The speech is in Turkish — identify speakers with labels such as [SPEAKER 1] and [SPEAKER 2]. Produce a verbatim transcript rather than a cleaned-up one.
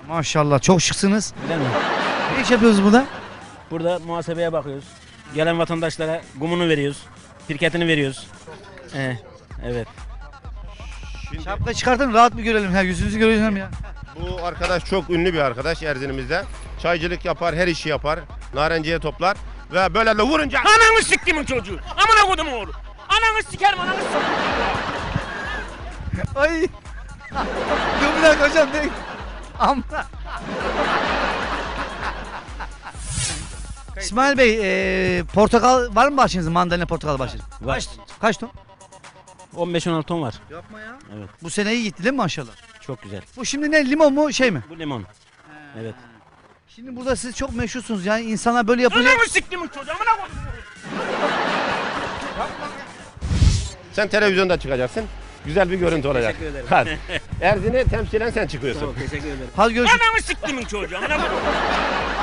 [SPEAKER 1] Maşallah çok şıksınız.
[SPEAKER 2] Öyle mi?
[SPEAKER 1] Ne iş yapıyoruz burada?
[SPEAKER 2] Burada muhasebeye bakıyoruz. Gelen vatandaşlara gumunu veriyoruz. Pirketini veriyoruz. Ee, evet.
[SPEAKER 3] Şimdi
[SPEAKER 1] Şapka çıkartın rahat bir görelim. Ha, yüzünüzü görelim ya.
[SPEAKER 3] bu arkadaş çok ünlü bir arkadaş Erzinimizde. Çaycılık yapar, her işi yapar. Narenciye toplar ve böyle de vurunca
[SPEAKER 4] Ananı siktimin çocuğu. Amına kodum oğlu. Ananı sikerim ananı sikerim.
[SPEAKER 1] Ay. Dur bir dakika hocam. Ne? Amma. İsmail Bey, e, portakal var mı bahçenizde? Mandalina portakal bahçeniz.
[SPEAKER 2] Var.
[SPEAKER 1] Kaç, kaç ton?
[SPEAKER 2] on beş on altı ton var.
[SPEAKER 1] Yapma ya.
[SPEAKER 2] Evet.
[SPEAKER 1] Bu sene iyi gitti değil mi maşallah?
[SPEAKER 2] Çok güzel.
[SPEAKER 1] Bu şimdi ne, limon mu şey mi?
[SPEAKER 2] Bu limon. Evet.
[SPEAKER 1] Şimdi burada siz çok meşhursunuz yani insanlar böyle yapınca...
[SPEAKER 4] Ananı siktimin çocuğu. Amına kodum.
[SPEAKER 3] sen televizyonda çıkacaksın. Güzel bir görüntü olacak.
[SPEAKER 2] Teşekkür ederim.
[SPEAKER 3] Hadi. Erzin'i temsilen sen çıkıyorsun.
[SPEAKER 2] Tamam, teşekkür ederim.
[SPEAKER 1] Hadi görüşürüz.
[SPEAKER 4] Ananı siktimin çocuğu. Amına kodum.